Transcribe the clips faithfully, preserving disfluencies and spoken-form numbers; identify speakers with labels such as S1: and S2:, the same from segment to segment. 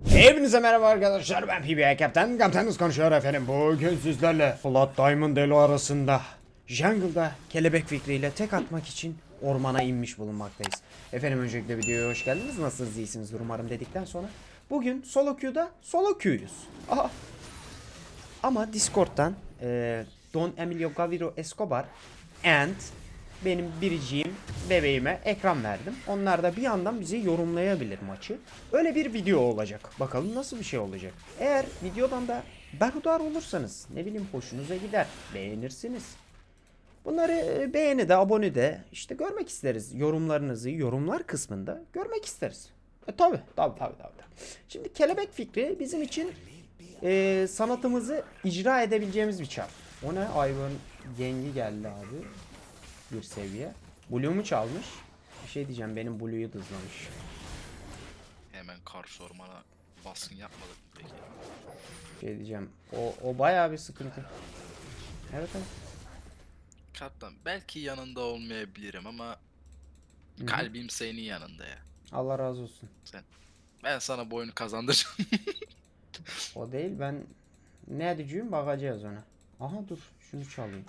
S1: Hepinize merhaba arkadaşlar, ben P B A Kaptan. Kaptanınız konuşuyor efendim. Bugün sizlerle Blood Diamond Elo arasında jungle'da kelebek fikriyle tek atmak için ormana inmiş bulunmaktayız. Efendim öncelikle videoya hoş geldiniz. Nasılsınız, iyisiniz umarım dedikten sonra bugün solo queue'da solo queue'yuz. Aha. Ama Discord'dan e, Don Emilio Gaviro Escobar and benim biriciğim bebeğime ekran verdim. Onlar da bir yandan bizi yorumlayabilir maçı. Öyle bir video olacak. Bakalım nasıl bir şey olacak. Eğer videodan da berhudar olursanız, ne bileyim, hoşunuza gider, beğenirsiniz. Bunları beğeni de abone de işte görmek isteriz. Yorumlarınızı yorumlar kısmında görmek isteriz. E tabi tabi tabi tabi. Şimdi kelebek fikri bizim için e, sanatımızı icra edebileceğimiz bir çar. O ne? Ivan Gengi geldi abi. Bir seviye. Blue'mu çalmış. Bir şey diyeceğim, benim Blue'yu hızlamış.
S2: Hemen karşı ormana baskın yapmadık mı peki?
S1: Bir şey diyeceğim. O, o bayağı bir sıkıntı. Evet evet.
S2: Kaptan belki yanında olmayabilirim ama
S1: Hı-hı.
S2: kalbim senin yanında ya.
S1: Allah razı olsun.
S2: Sen, ben sana bu oyunu kazandıracağım.
S1: O değil, ben ne edeceğim, bakacağız ona. Aha dur, şunu çalayım.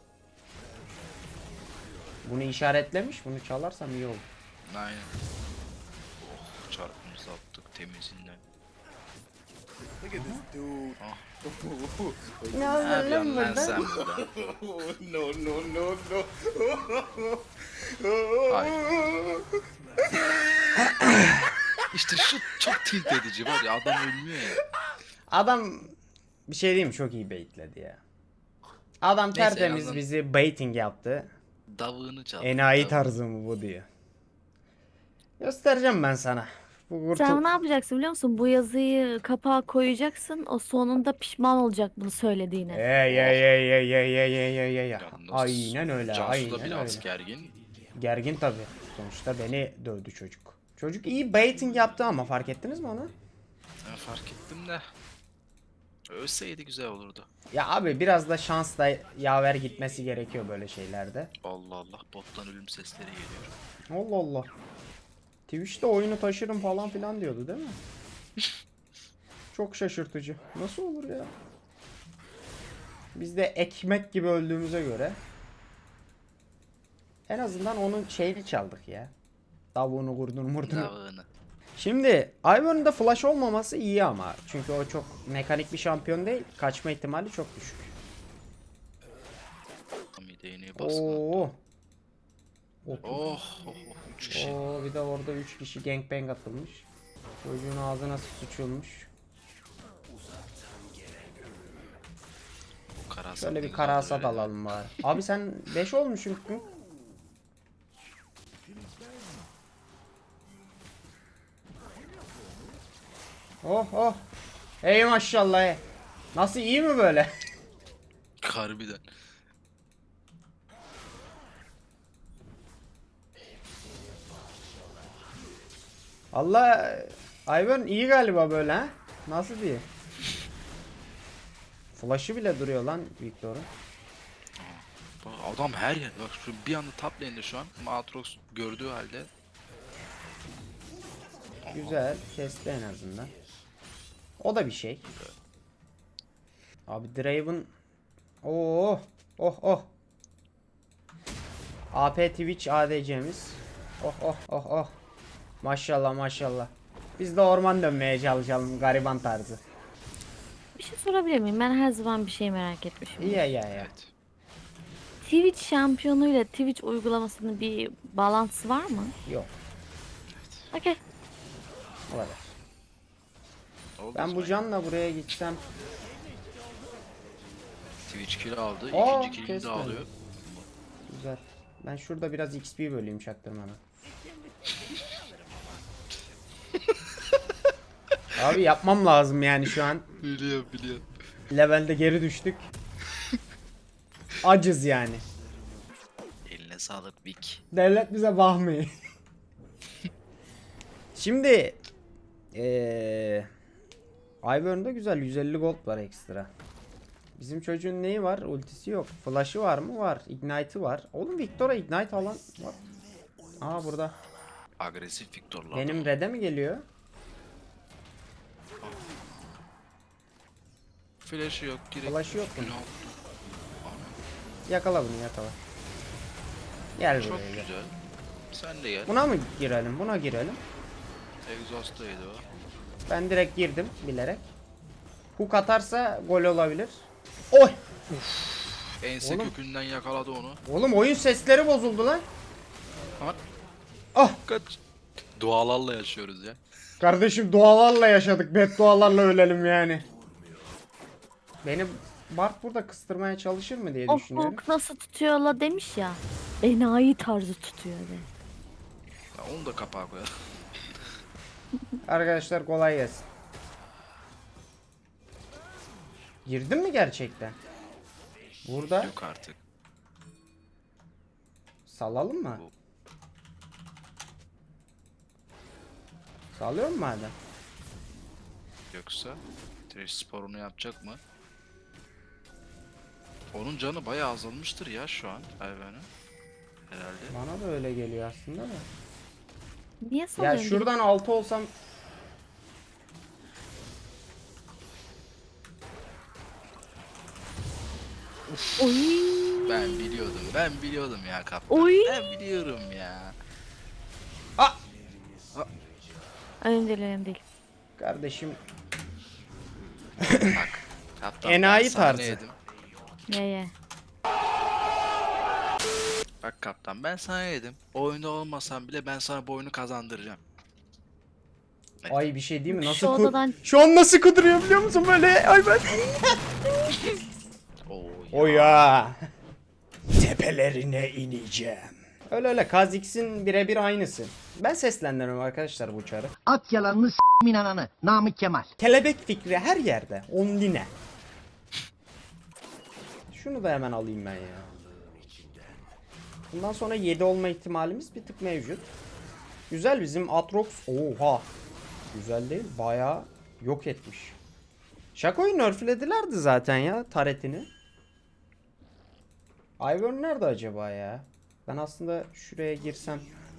S1: Bunu işaretlemiş, bunu çalarsam iyi olur.
S2: Aynen. Oh, çarpımızı attık temizinden.
S3: Look at this dude.
S2: Ah.
S1: Ne
S2: Ne yapıyorsun lan
S1: burada?
S2: sen burada?
S3: no, no, no, no.
S2: Hayır. İşte şu çok tilt edici var ya, adam ölmüyor ya.
S1: Adam bir şey diyeyim mi? Çok iyi baitledi ya. Adam
S2: Neyse, en
S1: tertemiz
S2: azından-
S1: bizi baiting yaptı.
S2: Davığını çaldı.
S1: Enayi
S2: davığını.
S1: tarzı mı bu diyor. Göstereceğim ben sana. Bu kurtul-
S4: Sen ne yapacaksın biliyor musun? Bu yazıyı kapağa koyacaksın. O sonunda pişman olacak bunu söylediğine.
S1: Ey ey ey ey ey ey ey ey ey.
S2: Yalnız
S1: Aynen öyle,
S2: Cansu
S1: aynen
S2: da
S1: öyle.
S2: biraz gergin.
S1: Gergin tabi. Sonuçta beni dövdü çocuk. Çocuk iyi baiting yaptı ama fark ettiniz mi onu?
S2: Ben fark ettim de. Ölseydi güzel olurdu.
S1: Ya abi biraz da şansla yaver gitmesi gerekiyor böyle şeylerde.
S2: Allah Allah, bottan ölüm sesleri geliyor.
S1: Allah Allah. Twitch'te oyunu taşırım falan filan diyordu değil mi? Çok şaşırtıcı. Nasıl olur ya? Biz de ekmek gibi öldüğümüze göre en azından onun şeyini çaldık ya. Tavuğunu, kurdunu, murdunu.
S2: Davığını.
S1: Şimdi Ivern'ın da flash olmaması iyi ama. Çünkü o çok mekanik bir şampiyon değil. Kaçma ihtimali çok düşük.
S2: Mideğini baskın.
S1: Oo.
S2: Oh, oh, oh, üç kişi.
S1: Oo, bir de orada üç kişi gangbang atılmış. Çocuğun ağzına sıçılmış.
S2: Bu karasat
S1: Şöyle bir
S2: ne
S1: karasat
S2: güzeldir öyle.
S1: alalım bari. Abi sen beş olmuşsun. Oh oh. Ey maşallah. ey. Nasıl, iyi mi böyle?
S2: Harbiden.
S1: Allah, Ivern iyi galiba böyle ha. Nasıl diye. Flash'ı bile duruyor lan Victor'un.
S2: Bak adam her yer. Bak şu bir anda top lane'de şu an. Aatrox gördüğü halde.
S1: Güzel. Kesti en azından. O da bir şey. Abi Draven. Oo. Oh oh. A P Twitch A D C'miz. Oh oh oh oh. Maşallah maşallah. Biz de orman dönmeye çalışalım gariban tarzı.
S4: Bir şey sorabilir miyim? Ben her zaman bir şey merak etmişim.
S1: İyi ya ya.
S2: Evet.
S4: Twitch şampiyonuyla Twitch uygulamasının bir bağlantısı var mı?
S1: Yok.
S4: Okey.
S1: O kadar.
S2: Oldu
S1: Ben
S2: o
S1: bu
S2: zaman.
S1: canla buraya gitsem.
S2: Twitch kill aldı.
S1: Aa,
S2: İkinci kill'ini de
S1: kesmedi.
S2: alıyor.
S1: Güzel. Ben şurada biraz X P böleyim çaktırmadan. Abi yapmam lazım yani şu an.
S2: Biliyorum biliyorum.
S1: Levelde geri düştük. Acız yani.
S2: Eline sağlık Vic.
S1: Devlet bize bakmıyor. Şimdi eee Ivern'da güzel yüz elli gold var ekstra. Bizim çocuğun neyi var? Ultisi yok. Flash'ı var mı? Var. Ignite'ı var. Oğlum Victor'a Ignite alan var. Aa burada.
S2: Agresif Victor'lar.
S1: Benim red'e mi geliyor?
S2: flash'ı yok. Direkt
S1: Flash'ı yok bunun.
S2: üstüne attı.
S1: Yakala bunu yakala. Gel
S2: Çok
S1: buraya gel.
S2: güzel. Sen de gel.
S1: Buna mı girelim? Buna girelim.
S2: Exhaust'taydı o.
S1: Ben direkt girdim bilerek. Hook atarsa gol olabilir. Oy!
S2: Ense
S1: Oğlum.
S2: kökünden yakaladı onu.
S1: Oğlum oyun sesleri bozuldu lan.
S2: Ha,
S1: Ah!
S2: kaç. Dualarla yaşıyoruz ya.
S1: Kardeşim dualarla yaşadık. Beddualarla ölelim yani. Benim Bart burada kıstırmaya çalışır mı diye
S4: O
S1: düşünüyorum.
S4: Hulk nasıl tutuyor la demiş ya. Enayi tarzı tutuyor de.
S2: Ya onu da kapağa koyalım.
S1: Arkadaşlar kolay gelsin. Girdin mi gerçekten? Burada
S2: Yok artık.
S1: salalım mı?
S2: Bu.
S1: Salıyor mu madem?
S2: Yoksa Trash sporunu yapacak mı? Onun canı bayağı azalmıştır ya şu an hayvanın. Herhalde.
S1: Bana da öyle geliyor aslında da.
S4: Niye
S1: Ya
S4: salıyorsun?
S1: şuradan altı olsam
S4: Oy.
S2: Ben biliyordum. Ben biliyordum ya kaptan.
S4: Oy.
S2: Ben biliyorum ya.
S4: Önemli değil önemli değil.
S1: kardeşim
S2: Bak. Kaptan
S1: Enayi
S2: ben sana
S1: tarzı.
S2: ne dedim?
S4: Ye ye.
S2: Bak kaptan ben sana ne dedim? Oyunda olmasam bile ben sana bu oyunu kazandıracağım.
S1: ay bir şey değil mi? Nasıl
S4: Şu
S1: ku-
S4: odadan-
S1: Şu an nasıl kuduruyor biliyor musun böyle? Ay ben.
S2: Oo,
S1: O ya. Tepelerine ineceğim. Öyle öyle Kha'Zix'in birebir aynısı. Ben seslendiriyorum arkadaşlar bu uçarı.
S5: At yalanını s**min ananı. Namık Kemal.
S1: Kelebek fikri her yerde. Ondine. Şunu da hemen alayım ben ya. Bundan sonra yedi olma ihtimalimiz bir tık mevcut. Güzel bizim Atrox. Oha. Güzel değil. Bayağı yok etmiş. Shaco'yu nerfledilerdi zaten ya taretini. Ivern nerede acaba ya? Ben aslında şuraya girsem.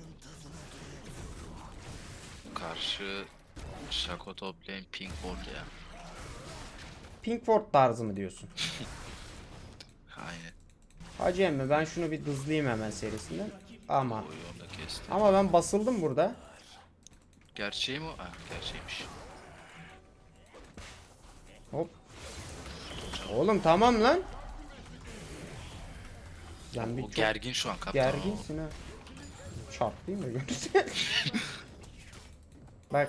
S2: Karşı Shaco toplayan Pinkford ya.
S1: Pinkford tarzı mı diyorsun?
S2: Aynen.
S1: Hacı emmi ben şunu bir dızlayayım hemen serisinden. Ama
S2: Oyu onu da kesti.
S1: ama ben basıldım burada.
S2: Gerçeği mi o? Ha, gerçeğiymiş.
S1: Hop. Oğlum tamam lan. Lan bir
S2: O
S1: çok
S2: gergin şu an kaptan.
S1: gerginsin ha. Çarpayım da görürsen. Bak.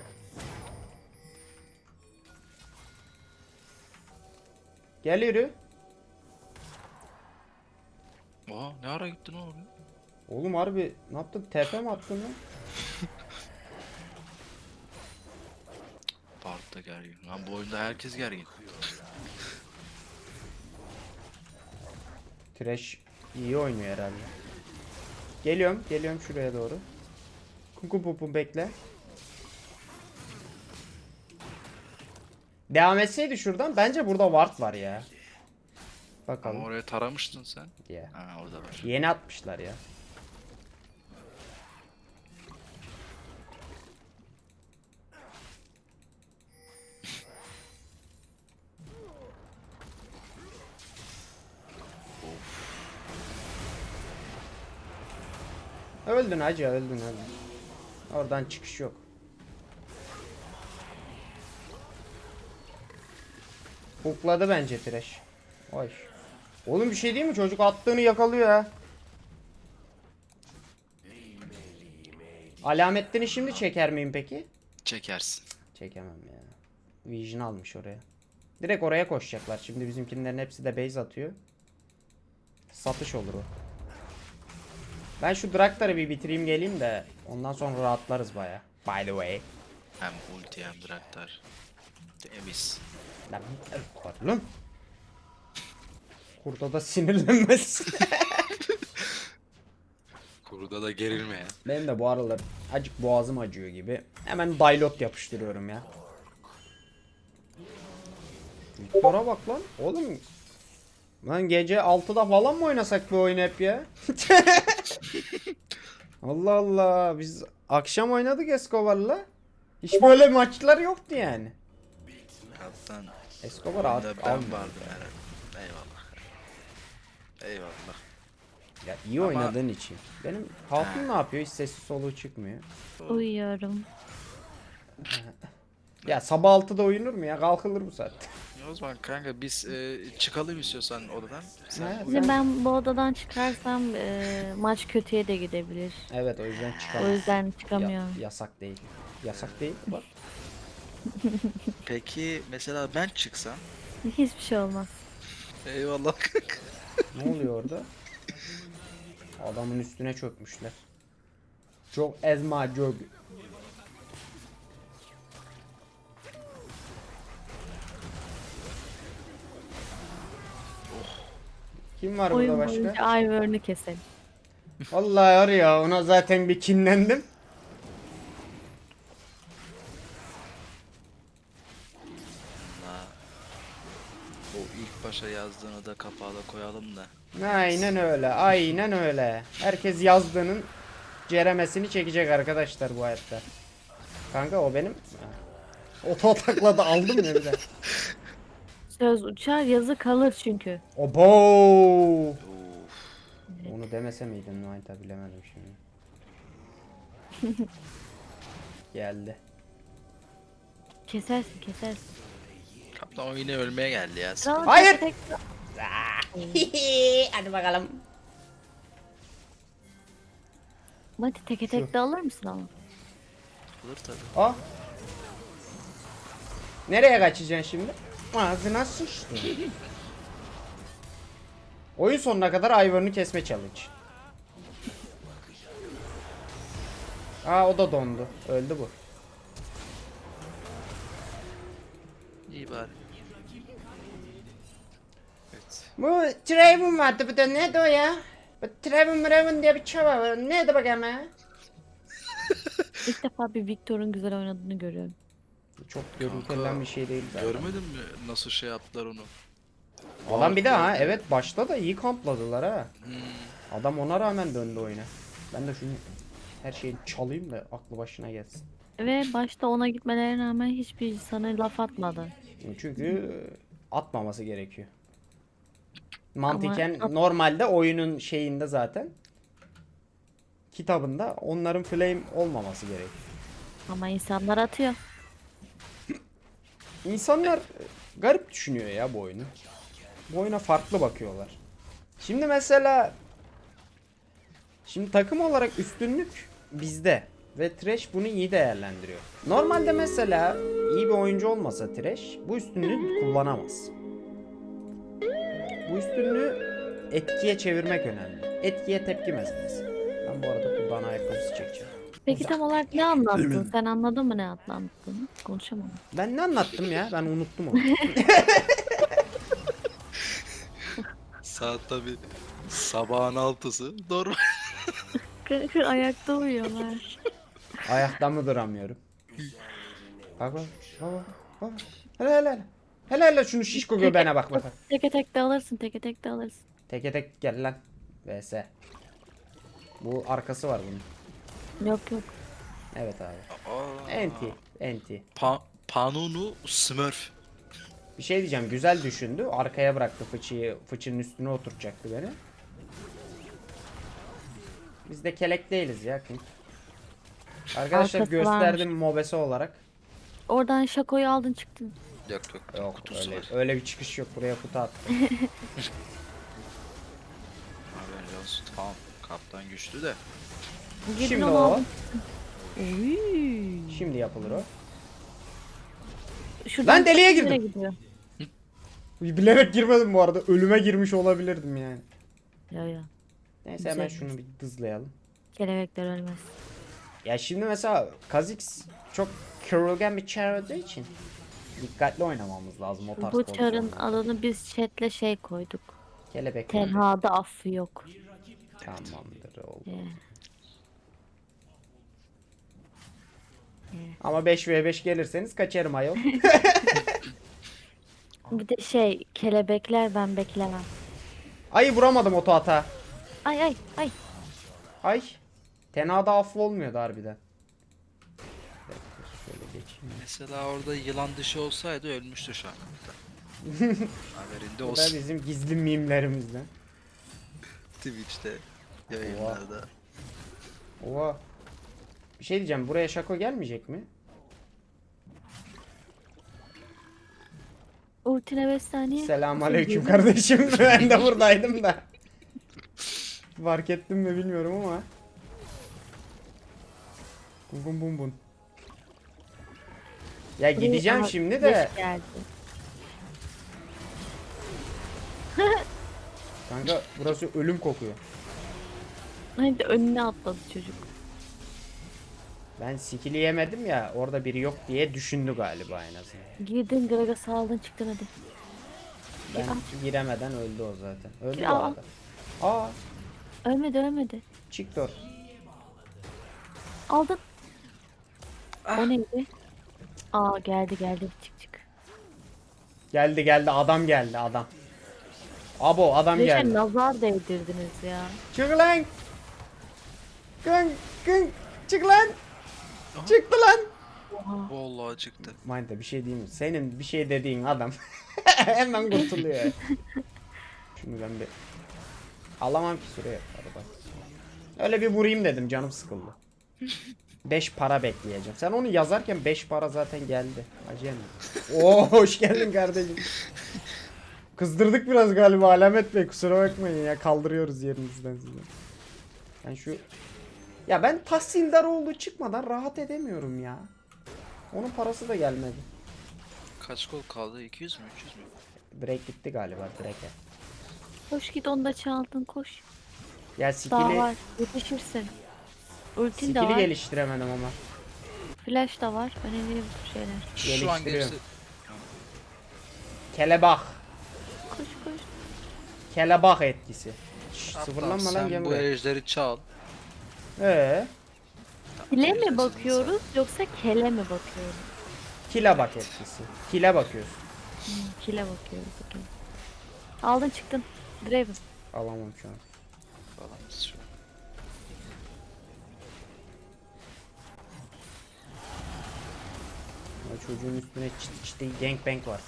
S1: Gel yürü.
S2: Oha ne ara gittin oğlum?
S1: Oğlum harbi ne yaptın? Tepe mi attın lan?
S2: Bart da gergin. Lan bu oyunda herkes gergin.
S1: Trash iyi oynuyor herhalde. Geliyorum, geliyorum şuraya doğru. Kuku pupu bekle. Devam etseydi şuradan bence burada ward var ya.
S2: Ama
S1: Bakalım.
S2: oraya taramıştın sen.
S1: Ya.
S2: Ha orada var.
S1: Yeni atmışlar ya. Öldün hacı öldün öldün. Oradan çıkış yok. Hukladı bence Thresh. Oy. Oğlum bir şey değil mi? Çocuk attığını yakalıyor ha. Alametlerini şimdi çeker miyim peki?
S2: Çekersin.
S1: Çekemem ya. Vision almış oraya. Direkt oraya koşacaklar. Şimdi bizimkilerin hepsi de base atıyor. Satış olur o. Ben şu Draktar'ı bir bitireyim geleyim de ondan sonra rahatlarız baya. By the way.
S2: Hem ulti hem draktar. Temiz.
S1: Lan bir lan. Kurda da sinirlenmez.
S2: Kuruda da gerilme ya.
S1: Benim de bu aralar acık boğazım acıyor gibi. Hemen dilot yapıştırıyorum ya. Viktor'a bak lan. Oğlum. Lan gece altıda falan mı oynasak bu oyunu hep ya? Allah Allah. Biz akşam oynadık Escobar'la. Hiç böyle maçlar yoktu yani.
S2: Kaptan.
S1: Escobar
S2: Oyunda
S1: artık
S2: ben
S1: almıyor.
S2: vardım herhalde. Eyvallah. Eyvallah.
S1: Ya iyi
S2: Ama-
S1: oynadığın için. Benim hatun ne yapıyor? Hiç sessiz soluğu çıkmıyor.
S4: Uyuyorum.
S1: Ya sabah altıda uyunur mu ya? Kalkılır bu saatte.
S2: Ya o zaman kanka biz e, çıkalım istiyorsan odadan. Sen
S1: Ha,
S2: uyu.
S4: Şimdi ben bu odadan çıkarsam e, maç kötüye de gidebilir.
S1: Evet o yüzden çıkamaz.
S4: O yüzden
S1: Ya-
S4: çıkamıyorum.
S1: yasak değil. Yasak değil. Bak.
S2: Peki mesela ben çıksam.
S4: Hiçbir şey olmaz.
S2: Eyvallah kanka.
S1: Ne oluyor orada? Adamın üstüne çökmüşler. Çok ezma çok. Kim var burada
S4: Oyun
S1: başka?
S4: boyunca Ivern'ı keselim.
S1: Vallahi var ya ona zaten bir kinlendim.
S2: Allah. O ilk başa yazdığını da kapağa da koyalım da.
S1: Aynen öyle. Aynen öyle. Herkes yazdığının ceremesini çekecek arkadaşlar bu hayatta. Kanka o benim. Oto atakladı aldım ya bir de.
S4: Söz uçar yazı kalır çünkü.
S1: Obo.
S2: Of.
S1: Onu demese miydim Nayta bilemedim şimdi. Geldi.
S4: Kesersin kesersin.
S2: Kaptan o yine ölmeye geldi ya.
S4: Kral
S1: Hayır!
S4: tek-
S1: Hadi bakalım.
S4: Mati teke tek de alır mısın ama?
S2: Olur tabii.
S1: Ah. Nereye kaçacaksın şimdi? Ağzına sıçtı. Oyun sonuna kadar Ivern'ı kesme challenge. Aa o da dondu. Öldü bu.
S2: İyi bari. Evet.
S1: Bu Draven vardı bu da neydi o ya? Bu Draven Draven diye bir çaba var. Neydi bakayım ya?
S4: İlk defa bir Victor'un güzel oynadığını görüyorum.
S1: Çok görüntülen bir şey değil zaten.
S2: Görmedin mi nasıl şey yaptılar onu?
S1: Adam bir de ha evet başta da iyi kampladılar ha.
S2: Hmm.
S1: Adam ona rağmen döndü oyuna. Ben de şunu her şeyi çalayım da aklı başına gelsin.
S4: Ve başta ona gitmelerine rağmen hiçbir sana laf atmadı.
S1: Çünkü atmaması gerekiyor. Mantıken
S4: at-
S1: normalde oyunun şeyinde zaten kitabında onların flame olmaması gerekiyor.
S4: Ama insanlar atıyor.
S1: İnsanlar garip düşünüyor ya bu oyunu. Bu oyuna farklı bakıyorlar. Şimdi mesela şimdi takım olarak üstünlük bizde ve Thresh bunu iyi değerlendiriyor. Normalde mesela iyi bir oyuncu olmasa Thresh bu üstünlüğü kullanamaz. Bu üstünlüğü etkiye çevirmek önemli. Etkiye tepki meselesi. Ben bu arada buradan ayakkabısı çekeceğim.
S4: Peki tam olarak ne anlattın? Sen anladın mı ne anlattığını? Konuşamadım.
S1: Ben ne anlattım ya? Ben unuttum onu.
S2: Saat tabi sabahın altısı. Normal.
S4: Kanka ayakta uyuyorlar.
S1: Ayakta mı duramıyorum? Bak bak bak bak, bak. Hele hele hele. Hele hele şunu şişko göbeğine bak bak.
S4: Teke tek de alırsın, teke tek de alırsın.
S1: Teke tek gel lan. V S. Bu arkası var bunun.
S4: Yok yok.
S1: Evet abi.
S2: Aa,
S1: Enti. Enti.
S2: Pa Panunu Smurf.
S1: Bir şey diyeceğim. Güzel düşündü. Arkaya bıraktı fıçıyı. Fıçının üstüne oturtacaktı beni. Biz de kelek değiliz ya. Kim? Arkadaşlar
S4: Arkası
S1: gösterdim mobese olarak.
S4: Oradan şakoyu aldın çıktın.
S2: Yok yok.
S1: Yok
S2: kutusu
S1: öyle,
S2: var.
S1: öyle bir çıkış yok. Buraya kutu attı.
S2: Haberli olsun. Tamam. Kaptan güçlü de.
S4: Gidin
S1: Şimdi
S4: onu
S1: o.
S4: alın. Uy.
S1: Şimdi yapılır o.
S4: Şuradan
S1: Lan deliğe
S4: nereye
S1: girdim.
S4: gidiyor?
S1: Bilerek girmedim bu arada. Ölüme girmiş olabilirdim yani.
S4: Ya ya.
S1: Neyse hemen
S4: Güzel.
S1: şunu bir dızlayalım.
S4: Kelebekler ölmez.
S1: Ya şimdi mesela Kha'Zix çok kırılgan bir çar olduğu için dikkatli oynamamız lazım o tarz
S4: Bu
S1: pozisyonlarda.
S4: çarın adını biz chatle şey koyduk.
S1: Kelebek.
S4: Tenhada affı yok.
S1: Tamamdır oldu.
S4: Yeah.
S1: Ama beş ve beş gelirseniz kaçarım ayol.
S4: Bir de şey kelebekler ben beklemem.
S1: Ay vuramadım oto ata.
S4: Ay ay ay.
S1: Ay. Tenada affı olmuyordu harbiden. Bekle, şöyle geçeyim.
S2: Mesela orada yılan dışı olsaydı ölmüştü şu an. Haberinde
S1: Bu da
S2: olsun.
S1: bizim gizli mimlerimizden.
S2: Twitch'te yayınlarda.
S1: Oha. Bir şey diyeceğim, buraya Şako gelmeyecek mi?
S4: Ultine beş saniye.
S1: Selamünaleyküm kardeşim. Ben de buradaydım da. Fark ettim mi bilmiyorum ama. Bum bum bum bum. Ya gideceğim
S4: Aa,
S1: şimdi de.
S4: beş geldi.
S1: Kanka burası ölüm kokuyor.
S4: Hadi önüne atladı çocuk.
S1: Ben skill'i yemedim ya, orada biri yok diye düşündü galiba en azından.
S4: Girdin Gragas'ı aldın çıktın hadi.
S1: Ben
S4: Ya.
S1: giremeden öldü o zaten. Öldü
S4: Ya.
S1: bu arada. Aa,
S4: Ölmedi ölmedi.
S1: çıktı or.
S4: Aldın.
S2: Ah.
S4: O neydi? Aa geldi geldi çık çık.
S1: Geldi geldi, adam geldi adam. Abo adam
S4: Beşe
S1: geldi.
S4: nazar değdirdiniz ya.
S1: Çık lan. Kın kın. Çık lan. Çıktı lan.
S2: Vallahi çıktı.
S1: Mind'de bir şey diyeyim mi? Senin bir şey dediğin adam hemen kurtuluyor. Şunu ben bir alamam ki süreye. Arada. Öyle bir vurayım dedim, canım sıkıldı. beş para bekleyeceğim. Sen onu yazarken beş para zaten geldi. Acayip. Oo hoş geldin kardeşim. Kızdırdık biraz galiba Alamet Bey, kusura bakmayın ya, kaldırıyoruz yerinizden sizi. Ben şu ya ben tahsildar olduğu çıkmadan rahat edemiyorum ya. Onun parası da gelmedi.
S2: Kaç gol kaldı? iki yüz mü? üç yüz mü?
S1: Break gitti galiba, break'e.
S4: Koş git onu da çaldın koş.
S1: Ya
S4: Daha
S1: skill'i
S4: var yetişirsin. Ultin de
S1: skill'i
S4: var.
S1: geliştiremedim ama.
S4: Flash da var. Önemli bu şeyler.
S2: Şu an
S1: Geliştiriyorum.
S2: gerisi...
S1: Kelebak.
S4: Koş koş.
S1: Kelebak etkisi. Şş,
S2: Hatta
S1: sıfırlanma lan,
S2: sen
S1: gel
S2: bu
S1: buraya.
S2: ejderi çal.
S1: Ee,
S4: Kile mi
S2: Ejdersini
S4: bakıyoruz yoksa kele mi bakıyoruz?
S1: kile bak etkisi. Kile bakıyorsun.
S4: Hmm, kile bakıyoruz. Okay. Aldın çıktın. Draven.
S1: Alamam şu an.
S2: Falan şu.
S1: Ya çocuğun üstüne çıt çıtı gangbang var.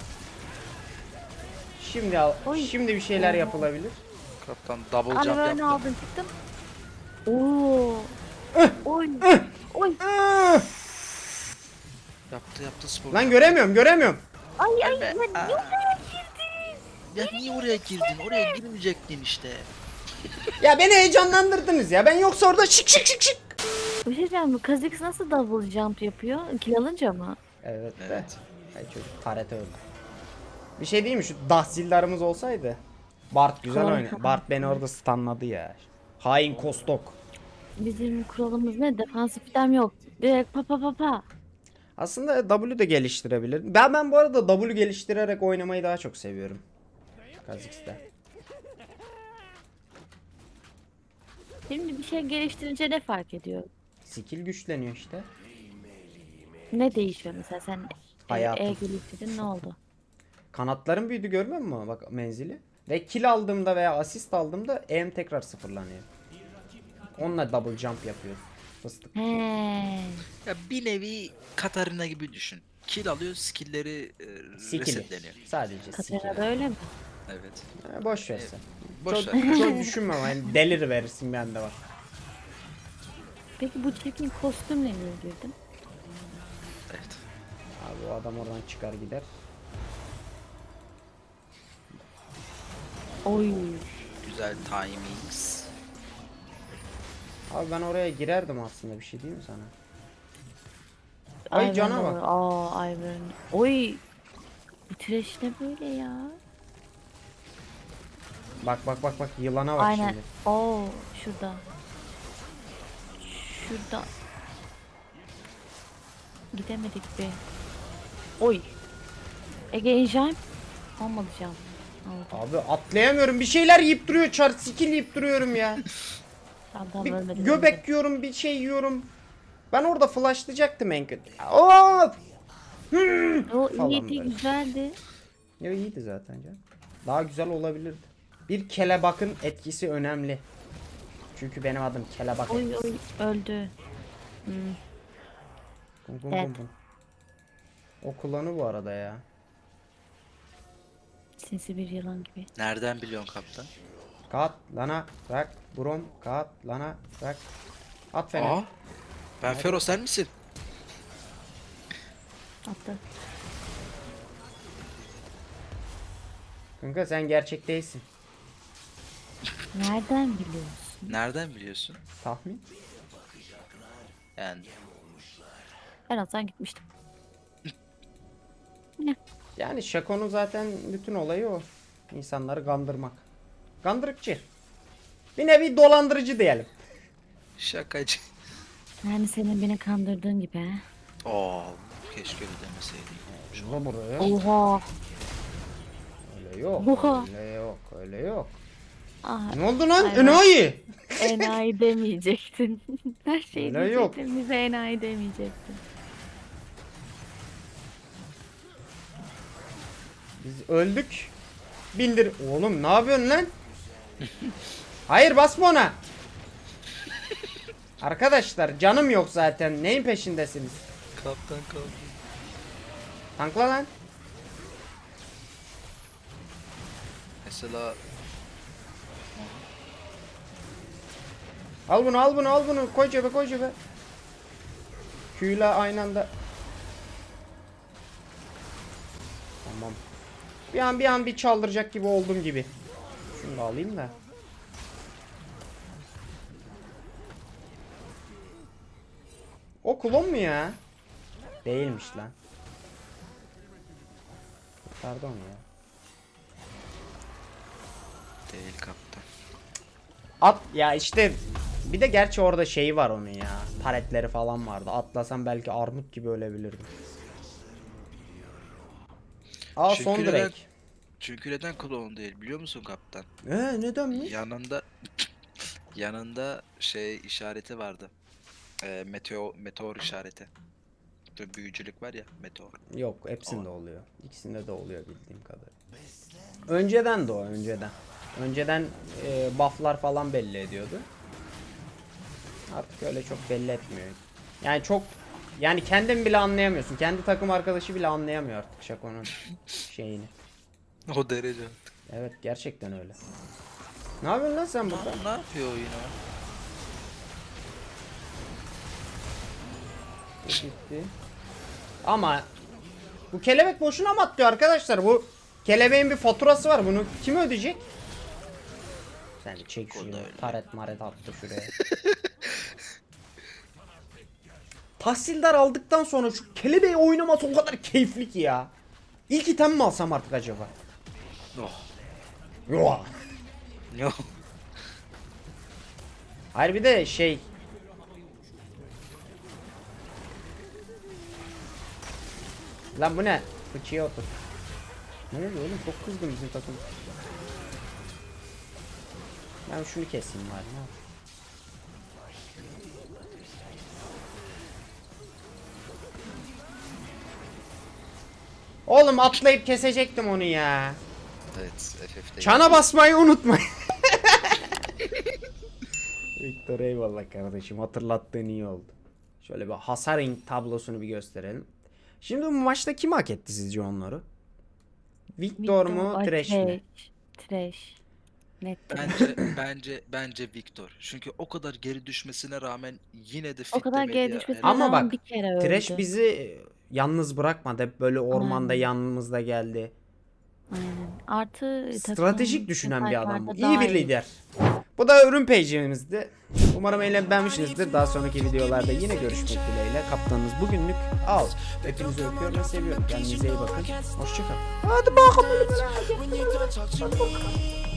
S1: Şimdi al,
S4: Oy.
S1: şimdi bir şeyler
S4: Oha.
S1: yapılabilir.
S2: Kaptan double jump
S4: Alevörünü
S2: yaptı.
S4: aldın çıktın. Oo. Oy. Oy.
S1: Ah!
S2: Yaptı yaptı spor.
S1: Lan göremiyorum, göremiyorum.
S4: Ay ay
S2: Gelme.
S4: lan
S2: Aa.
S4: yok girdin.
S2: Ya niye oraya girdin? Oraya girmeyecektin işte.
S1: Ya beni heyecanlandırdınız ya. Ben yoksa orada şık şık şık şık.
S4: Bir şey diyeceğim mi? Kha'Zix nasıl double jump yapıyor? Kill alınca mı?
S1: Evet de.
S2: Evet.
S1: Ay çocuk taret öldü. Bir şey diyeyim mi? Şu dahsildarımız olsaydı. Bart güzel
S4: Harika.
S1: oynuyor. Bart beni orada stunladı ya. Hain Kostok.
S4: Bizim kuralımız ne? Defansif item yok. Direkt pa pa pa pa.
S1: Aslında W de geliştirebilir. Ben ben bu arada W geliştirerek oynamayı daha çok seviyorum. Kha'Zix'te.
S4: Şimdi bir şey geliştirince ne fark ediyor?
S1: Skill güçleniyor işte.
S4: Ne değişiyor mesela sen e,
S1: Hayatım.
S4: E geliştirdin ne oldu?
S1: Kanatlarım büyüdü, görmüyor musun? Bak menzili. Ve kill aldığımda veya asist aldığımda aim tekrar sıfırlanıyor. Onunla double jump yapıyoruz. Fıstık.
S4: He.
S2: Ya bir nevi Katarina gibi düşün. Kill alıyor, skill'leri e,
S1: Skill'i.
S2: resetleniyor.
S1: Sadece skill.
S4: Katarina öyle mi?
S2: Evet.
S1: Ha, boş ver sen.
S2: Boş
S1: çok,
S2: ver.
S1: çok düşünme ama yani delir verirsin, bende var.
S4: Peki bu çirkin kostümle niye girdin?
S2: Evet.
S1: Abi o adam oradan çıkar gider.
S4: Oy.
S2: Güzel timings.
S1: Abi ben oraya girerdim aslında, bir şey diyeyim mi sana? Ay cana bak.
S4: Aa Ivern. Oy. Bu trash ne böyle ya?
S1: Bak bak bak bak, yılana bak
S4: Aynen.
S1: şimdi.
S4: Oo şurada. Şurada. Gidemedik be. Oy. Ege Enjime. Olmadı can. Oldu.
S1: Abi atlayamıyorum, bir şeyler yiyip duruyor, çar skill yiyip duruyorum ya.
S4: Tamam tamam
S1: Bir
S4: ölmedi.
S1: göbek yiyorum, bir şey yiyorum. Ben orada flashlayacaktım en kötü. Of!
S4: ölmedi. O
S1: falan
S4: iyiydi
S1: böyle.
S4: güzeldi.
S1: Ya iyiydi zaten canım. Daha güzel olabilirdi. Bir kelebakın etkisi önemli. Çünkü benim adım Kelebak
S4: Oy
S1: etkisi.
S4: oy öldü. Hmm.
S1: Bum bum
S4: Evet.
S1: bum bum. O kullanı bu arada ya.
S4: Sinsi bir yılan gibi.
S2: Nereden biliyorsun kaptan?
S1: Kat lana bırak. Brom kat lana bırak. At fena.
S2: Aa. Ben Fero, sen misin?
S4: Hatta
S1: Kanka sen gerçek değilsin.
S4: nereden biliyorsun?
S2: Nereden biliyorsun?
S1: Tahmin.
S2: Yani
S4: Ben olsam gitmiştim.
S1: Yani Şako'nun zaten bütün olayı o. İnsanları kandırmak. Kandırıkçı. Bir nevi dolandırıcı diyelim.
S2: şakacı.
S4: Yani senin beni kandırdığın gibi he.
S2: Oo, keşke öyle demeseydin.
S1: Şuna buraya.
S4: Oha.
S1: Öyle yok.
S4: Oha.
S1: Öyle yok. Öyle yok.
S4: Ah,
S1: Ne oldu lan?
S4: Aynen.
S1: Enayi.
S4: enayi demeyecektin. Her şeyi
S1: Öyle yok.
S4: diyecektin. Bize enayi demeyecektin.
S1: Biz öldük. Bindir. Oğlum ne yapıyorsun lan? Hayır basma ona. Arkadaşlar canım yok zaten. Neyin peşindesiniz?
S2: Kaptan kaldı.
S1: Tankla lan.
S2: Mesela
S1: Al bunu al bunu al bunu. Koy cebe koy cebe. Q'yla aynı anda. Tamam. Bir an bir an bir çaldıracak gibi oldum gibi. Şunu da alayım da. O klon mu ya? Değilmiş lan. Pardon ya.
S2: değil kaptan.
S1: At ya işte bir de gerçi orada şeyi var onun ya. Paletleri falan vardı. Atlasam belki armut gibi ölebilirdim. Aa
S2: Çünkü
S1: son
S2: neden-
S1: direkt.
S2: Çünkü neden klon değil biliyor musun kaptan?
S1: Ee nedenmiş?
S2: Yanında yanında şey işareti vardı. Ee, meteor meteor işareti. Böyle büyücülük var ya, meteor.
S1: Yok hepsinde oluyor. İkisinde de oluyor bildiğim kadarıyla. Önceden de o önceden. Önceden e, bufflar falan belli ediyordu. Artık öyle çok belli etmiyor. Yani çok yani kendin bile anlayamıyorsun. Kendi takım arkadaşı bile anlayamıyor artık Şako'nun şeyini.
S2: O derece.
S1: Evet gerçekten öyle. Ne yapıyorsun lan sen burada?
S2: Ne yapıyor o yine?
S1: Gitti. Ama bu kelebek boşuna mı atlıyor arkadaşlar? Bu kelebeğin bir faturası var. Bunu kim ödeyecek? Sen çek şunu. Taret maret attı şuraya. Tahsildar aldıktan sonra şu kelebeği oynaması o kadar keyifli ki ya. İlk item mi alsam artık acaba?
S2: Oh.
S1: Yok.
S2: Yok.
S1: Hayır bir de şey. Lan bu ne? Fıçıya otur. Ne oluyor oğlum? Çok kızgın bizim takım. Ben şunu keseyim bari. Ne yapayım? Oğlum atlayıp kesecektim onu ya.
S2: Evet, F F'de.
S1: Çana basmayı unutmayın. Victor eyvallah kardeşim, hatırlattığın iyi oldu. Şöyle bir hasar tablosunu bir gösterelim. Şimdi bu maçta kim hak etti sizce onları? Victor mu,
S4: Ay,
S1: Thresh mi?
S4: Thresh. Net Thresh.
S2: Bence bence bence Victor. Çünkü o kadar geri düşmesine rağmen yine de
S4: O kadar
S2: fitlemedi
S4: geri
S2: ya.
S4: düşmesine
S1: Ama
S4: rağmen
S1: bak,
S4: bir kere öldü.
S1: Thresh bizi e, yalnız bırakmadı. Hep böyle ormanda
S4: Aynen.
S1: yanımızda geldi.
S4: Aynen. Artı
S1: Stratejik
S4: takımın
S1: düşünen bir adam bu.
S4: fighter'da
S1: İyi
S4: daha
S1: bir lider. Bu da ürün page'imizdi. Umarım eğlenmişsinizdir. Daha sonraki videolarda yine görüşmek dileğiyle. Kaptanınız bugünlük out. Hepinizi öpüyorum ve seviyorum. Kendinize iyi bakın. Hoşçakalın. Hadi bakalım.